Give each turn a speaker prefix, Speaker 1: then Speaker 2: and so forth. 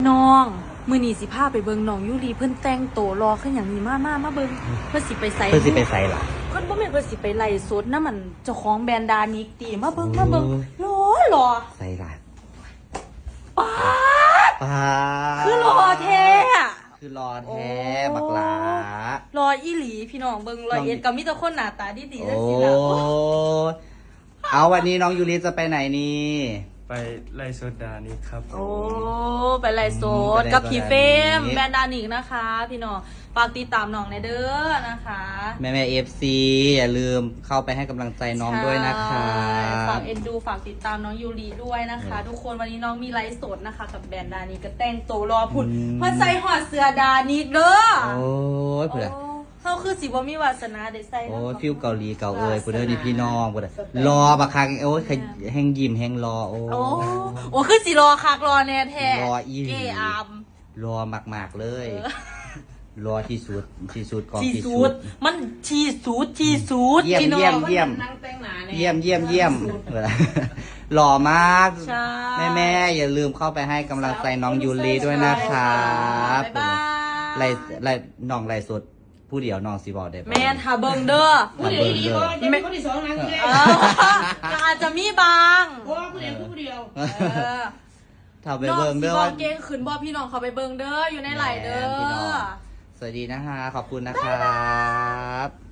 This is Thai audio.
Speaker 1: น้องมือนีสิพาไปเบิงน้องยูรีเพิ่นแต่งโตรอขึ้นอย่างนี้มาเบิงเพิ่นสิไปใส่
Speaker 2: ล่ะ
Speaker 1: เพิ่นบ่แม่นเพิ่นสิไปไล่สดนะมันเจ้าของแบรนด์ดานิกตีมาเบิงรอ
Speaker 2: ใส่ล่ะ
Speaker 1: ป๊าด
Speaker 2: ป้า
Speaker 1: คือรอแท้
Speaker 2: คือรอแท้บักหลาร
Speaker 1: ออีหลีพี่น้องเบิงรอยเอ็ดก็มีแต่คนหน้าตาดีๆจัง
Speaker 2: โอ้
Speaker 1: ซี่ล่ะ
Speaker 2: เอาวันนี้น้องยูริจะไปไหนนี่
Speaker 3: ไปไล่โซดานี่ครับ
Speaker 1: โอ้ไปไล่สดกับพี่เฟมแบรนด์ดานิกนะคะ พี่น้องฝากติดตามน้องในเด้อนะคะ
Speaker 2: แม่FC อย่าลืมเข้าไปให้กำลังใจน้องด้วยนะคะ
Speaker 1: ฝากเอ็นดูฝากติดตามน้องยูรีด้วยนะคะ ทุกคนวันนี้น้องมีไลฟ์สดนะคะ กับแบรนด์ดานิกก็แต่งตัวรอพุ่นเพื่อใส่หอดเสื้อดานิกเด้อ
Speaker 2: โอ้ยเผื่อ
Speaker 1: เขาคือสิบ่มีวาสนาได้ใส่
Speaker 2: โอ้ยฟิวเกาหลีเกาเอ้ยเพื่อนนี่พี่น้องเพื่อนรอบักครั้งโอ้ยแห้งยิ้มแห้งรอโอ้
Speaker 1: โอ้คือสิรอคักรอแน่แท้
Speaker 2: รออีหลี
Speaker 1: อาม
Speaker 2: รอมากๆเลย รอที่สุดของ
Speaker 1: ที่
Speaker 2: ที่
Speaker 1: สุ
Speaker 2: สุ
Speaker 1: ด
Speaker 2: ด
Speaker 1: มันที่สุด
Speaker 2: เยี่ยม
Speaker 1: พี่น้อง
Speaker 2: เยี่ยม หล่อมาก
Speaker 1: ใช่
Speaker 2: แม่อย่าลืมเข้าไปให้กำลังใจน้องยูรีด้วยนะครับ
Speaker 1: บ๊ายบาย
Speaker 2: ไล่น้องไล่สดผู้เดียวน้องสีบอกได้ปะ
Speaker 1: แม่นหาเบิงเด้อ
Speaker 2: ผู้เดียวดีกว่า
Speaker 4: จะเป็นคนที่สองนะคือ
Speaker 1: ก็อาจจะมีบาง
Speaker 4: เพราะว่าผู้เดียวคือผู้เดียว
Speaker 2: ทำไปเบิ่งเด้อ
Speaker 1: น้
Speaker 2: ว่า
Speaker 1: องสิบอกเก่งขึ้นบอกพี่น้องเขาไปเบิงเด้ออยู่ในไหลเด้อ
Speaker 2: พี่น้องสวัสดีนะคะขอบคุณนะครับ